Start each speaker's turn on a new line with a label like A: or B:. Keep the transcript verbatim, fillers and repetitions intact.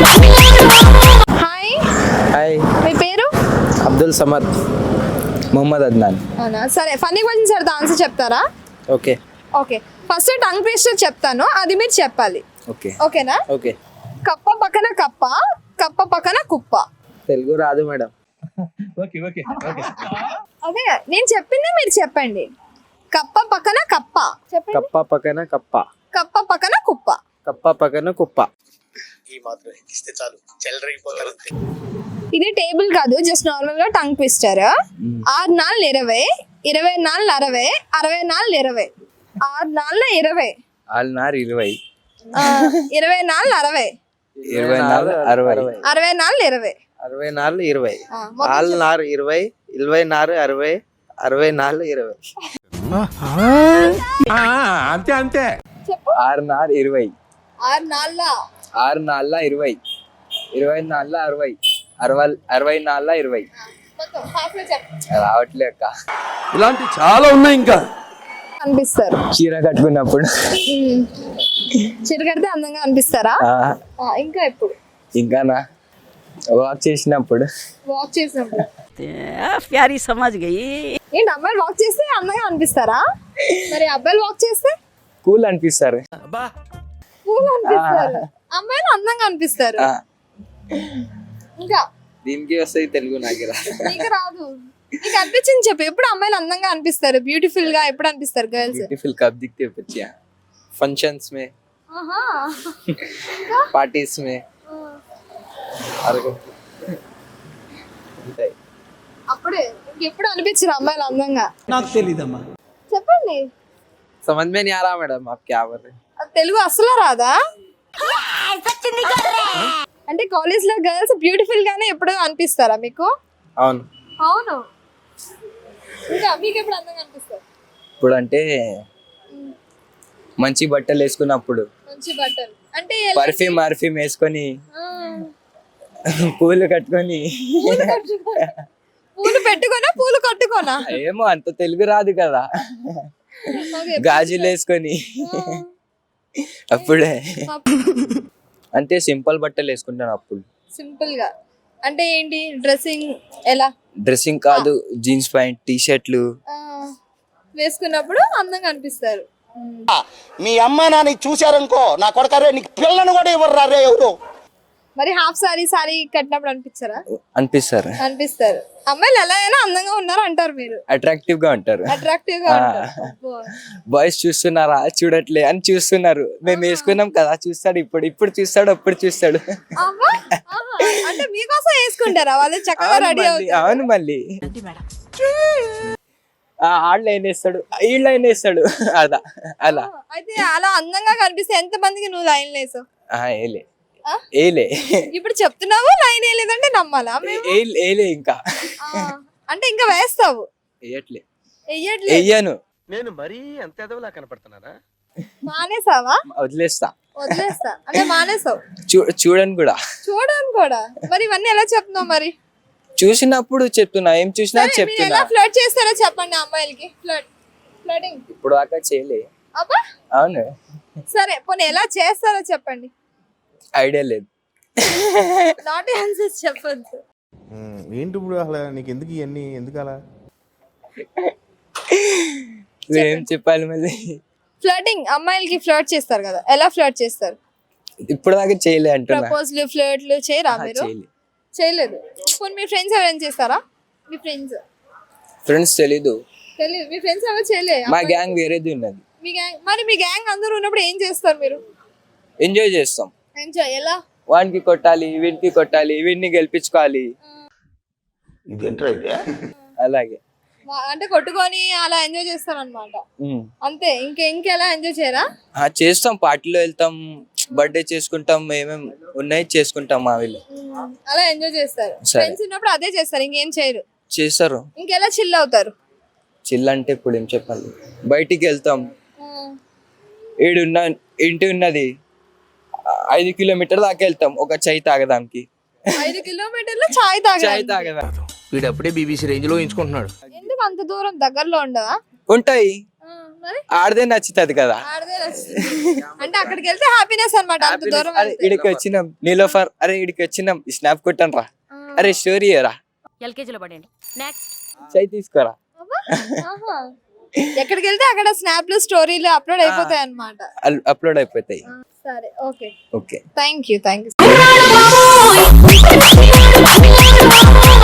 A: Hi,
B: hi,
A: మీ పేరు?
B: అబ్దుల్ సమద్ మొహమ్మద్ అద్నాన్.
A: అవునా, సరే. ఫన్నీ క్వశ్చన్స్ అడితే ఆన్సర్ చెప్తారా?
B: Okay
A: okay, first tongue twister చెప్తాను, అది మీరు చెప్పాలి.
B: ఓకే
A: ఓకేనా?
B: ఓకే.
A: కప్ప పక్కన కప్ప, కప్ప పక్కన కుప్ప.
B: తెలుగు రాదు మేడం.
A: అదే నేను చెప్పింది మీరు చెప్పండి. కప్ప పక్కన కప్ప చెప్పండి.
B: కప్ప పక్కన కప్ప,
A: కప్ప పక్కన కుప్ప.
B: కప్ప పక్కన కుప్ప.
A: ఇది టేబుల్ కాదు, జస్ట్ నార్మల్ గా టంగ్ ట్విస్టర్. ఆరు నాలుగు ఇరవై, ఇరవై నాలుగు అరవై, అరవై నాలుగు ఇరవై. ఆరు నాలుగు ఇరవై,
B: ఆల్నార్ ఇరవై,
A: ఆ, ఇరవై నాలుగు అరవై,
B: ఇరవై నాలుగు అరవై,
A: అరవై నాలుగు ఇరవై.
B: అరవై నాలుగు ఇరవై,
A: ఆ, మొత్తం
B: ఆల్నార్ ఇరవై, ఇరవై నాలుగు అరవై, అరవై నాలుగు ఇరవై.
C: అంతే అంతే.
A: చెప్పు.
B: ఆరునార్ ఇరవై,
A: ఆరు నాలుగు
B: ఆరు నాలుగు ఇరవై, ఇరవై నాలుగు అరవై, అరవై అరవై నాలుగు ఇరవై.
A: మొత్తం half లో చెప్పు.
B: రావట్లే అక్క.
C: ఇలాంటి చాలా ఉన్నాయి ఇంకా.
A: అనిపిస్తారు.
B: చీర కట్టుకున్నప్పుడు.
A: ఉమ్. చీర కడితే అందంగా అనిపిస్తారా?
B: ఆ,
A: ఆ, ఇంకా ఎప్పుడు?
B: ఇంకానా వాక్ చేసినప్పుడు.
A: వాక్ చేసినప్పుడు.
D: प्यारी समझ गई।
A: ఏంటి, అమ్మాయిలు వాక్ చేస్తే అందంగా అనిపిస్తారా? మరి అబ్బాయిలు వాక్ చేస్తే
B: కూల్ అనిపిస్తారు.
A: కూల్ అనిపిస్తారు, అమ్మాయిలు అందంగా అనిపిస్తారు.
B: ఆ,
A: ఇంకా
B: దీనికి వస్తాయి తెలుగు నాకు రాదు.
A: నీకు రాదు. నీకు అనిపించింది చెప్పు. ఎప్పుడు అమ్మాయిలు అందంగా అనిపిస్తారు, బ్యూటిఫుల్ గా ఎప్పుడు అనిపిస్తారు గర్ల్స్?
B: ब्यूटीफुल कब दिखते हो बच्चियां? फंक्शंस में, पार्टीज में, और
A: అప్పుడే. ఇంకెప్పుడు అనిపించారు అమ్మాయిలు అందంగా?
C: నాకు తెలీదమ్మా.
A: చెప్పండి.
B: समझ में नहीं आ रहा मैडम आप क्या बोल रहे हैं?
A: అది తెలుగు అసలు రాదా? అంటే కాలేజ్ లో గర్ల్స్ బ్యూటిఫుల్ గానే ఎప్పుడు అనిపిస్తారా మీకు?
B: అవును.
A: అవును. ఇంకా మీకు ఎప్పుడు అందంగా అనిపిస్తారు?
B: ఇప్పుడు అంటే మంచి బట్టలు వేసుకున్నప్పుడు,
A: మంచి బట్టలు అంటే ఎలా?
B: పర్ఫ్యూమ్ పర్ఫ్యూమ్ వేసుకొని,
A: ఆ,
B: పూలు కట్టుకొని.
A: పూలు కట్టుకో- పూలు పెట్టుకోనా పూలు కట్టుకోనా?
B: ఏమో అంత తెలుగు రాదు కదా.
A: ఓకే.
B: గాజులు వేసుకొని అప్పుడే. అంటే సింపుల్ బట్టలు వేసుకుంటాను అప్పుడు.
A: సింపుల్ గా అంటే ఏంటి? డ్రెస్సింగ్ ఎలా?
B: డ్రెస్సింగ్ కాదు, జీన్స్ ప్యాంట్, టీ షర్ట్లు.
A: ఆ, వేసుకున్నప్పుడు అందంగా అనిపిస్తారు.
E: మీ అమ్మ నాన్న చూశారనుకో, నా కొడకరే నీకు పిల్లను కూడా ఇవ్వరు రే ఎవరు.
A: మరి హాఫ్ సారీ సారీ కట్టినప్పుడు అనిపించారా?
B: అనిపిస్తారు.
A: అనిపిస్తారు. అమ్మాయిలు ఎలా అయినా అందంగా ఉన్నారు అంటారు మీరు.
B: అట్రాక్టివ్ గా ఉంటారు.
A: అట్రాక్టివ్ గా ఉంటారు. అబ్బో.
B: బాయ్స్ చూస్తున్నారా చూడట్లే అని చూస్తున్నారు. మేము వేసుకున్నాం కదా, చూస్తాడు ఇప్పుడు, ఇప్పుడు చూస్తాడు, అప్పుడు చూస్తాడు.
A: అబ్బా. ఆహా. అంటే మీకోసం వేసుకుంటారా వాళ్ళు? చక్కగా
B: అవును
A: రెడీ
B: మళ్ళీ,
A: అవుతారు.
B: అవును మళ్ళీ ఆళ్ళు ఏం వేస్తాడు, వీళ్ళు ఏం వేస్తాడు, అలా అలా.
A: అయితే అలా అందంగా కనిపిస్తే ఎంత మందికి నువ్వు లైన్ లేసావు?
B: ఆ, ఏలే
A: ఆ?
B: ఏలే
A: ఇప్పుడు చెప్తున్నావు లైన్ వేయలేదంటే నమ్మాలా మేము?
B: ఏ- ఏలే ఇంకా
A: ఆ, అంటే ఇంకా వేస్తావు?
B: వేయట్లే,
A: వెయ్యట్లేదు.
B: వెయ్యను,
E: నేను మరీ అంత ఎదవలా కనపడుతున్నారా?
A: మానేసావా?
B: వదిలేస్తా.
A: వదిలేస్తా అంటే మానేసావు?
B: చూ చూడను కూడా.
A: చూడను కూడా. మరి ఇవన్నీ ఎలా చెప్తున్నావు మరి?
B: చూసినప్పుడు చెప్తున్నా, ఏం చూసినా
A: సరే, మీరు
B: చెప్తున్నా.
A: ఎలా ఫ్లర్ట్ చేస్తారో చెప్పండి అమ్మాయిలకి. ఫ్లర్ట్ ఫ్లర్టింగ్
B: ఇప్పుడు దాకా చేయలే.
A: అబ్బా.
B: అవును,
A: సరే, పోనీ ఎలా చేస్తారో చెప్పండి.
B: ఐడియా లేదు.
A: నాట్ ఆన్సర్స్ చెప్పొద్దు.
F: ఏంటి ఇప్పుడు అసలు నీకు ఎందుకు ఇవన్నీ ఎందుకు అలా?
B: ఏం చెప్పాలి మళ్ళీ?
A: ఫ్లర్టింగ్ అమ్మాయిలకి ఫ్లర్ట్ చేస్తారు కదా, ఎలా ఫ్లర్ట్ చేస్తారు?
B: ఇప్పుడు దాకా చేయలే అంటున్నా.
A: ప్రపోజ్లు ఫ్లర్ట్లు చేయరా
B: ఆహా,
A: మీరు?
B: చేయలే.
A: చేయలేదు. పోనీ మీ ఫ్రెండ్స్ ఎవరైనా చేస్తారా? మీ ఫ్రెండ్స్
B: ఫ్రెండ్స్ తెలీదు.
A: తెలియదు. మీ ఫ్రెండ్స్ ఎవరు చేయలేదు?
B: మా గ్యాంగ్ వేరేది ఉన్నది.
A: మీ గ్యాంగ్ మరి మీ గ్యాంగ్ అందరూ ఉన్నప్పుడు ఏం చేస్తారు మీరు?
B: ఎంజాయ్ చేస్తాం.
A: ఎంజాయ్ ఎలా?
B: వానికి కొట్టాలి, వీడికి కొట్టాలి, వీడిని గెలిపించుకోవాలి,
E: ఇదేంట్రా ఇదే?
B: అలాగే.
A: వా- అంటే కొట్టుకొని అలా ఎంజాయ్ చేస్తారు అనమాట.
B: ఉమ్.
A: అంతే, ఇంకే ఇంకెలా ఎంజాయ్ చేయరా?
B: ఆ, చేస్తాం, పార్టీలో వెళ్తాం, బర్త్డే చేసుకుంటాం, ఏమేం ఉన్నాయి చేసుకుంటాం మా వీళ్ళు.
A: ఉమ్, అలా ఎంజాయ్ చేస్తారు.
B: సరే.
A: ఫ్రెండ్స్ ఉన్నప్పుడు అదే చేస్తారు, ఇంకేం చేయరు.
B: చేస్తారు.
A: ఇంకెలా చిల్ అవుతారు?
B: చిల్ అంటే ఇప్పుడు ఏం చెప్పాలి, బయటికి వెళ్తాం,
A: ఉమ్,
B: ఈడున్న ఇంటి ఉన్నది ఐదు కిలోమీటర్ దాకా వెళ్తాం ఒక చాయ్ తాగడానికి.
A: ఐదు కిలోమీటర్లు చాయ్
B: చాయ్
A: తాగాలి.
B: తాగడానికి
C: వీడప్పుడే బీబీసీ రేంజ్ లో ఎంచుకుంటున్నాడు.
A: ఎందుకు అంత దూరం? దగ్గరలో ఉండవా?
B: ఉంటాయి.
A: ఆ, మరి
B: ఆడదే నచ్చుతుంది కదా.
A: ఆడదే నచ్చుతుంది. అంటే అక్కడికి వెళ్తే హ్యాపీనెస్ అన్నమాట అంత దూరం
B: అరే ఇడికి వచ్చినాం నీలోఫర్, అరే ఇడికి వచ్చినాం స్నాప్ కొట్టాను రా, అరే స్టోరీ రా,
G: ఎల్కేజీలో పడండి. నెక్స్ట్
B: చై తీసుకోరా.
A: ఆహా. ఎక్కడికి వెళ్తే అక్కడ స్నాప్లు స్టోరీలు అప్లోడ్ అయిపోతాయి అన్నమాట.
B: అప్లోడ్ అయిపోతాయి.
A: సరే okay
B: okay
A: thank you thank you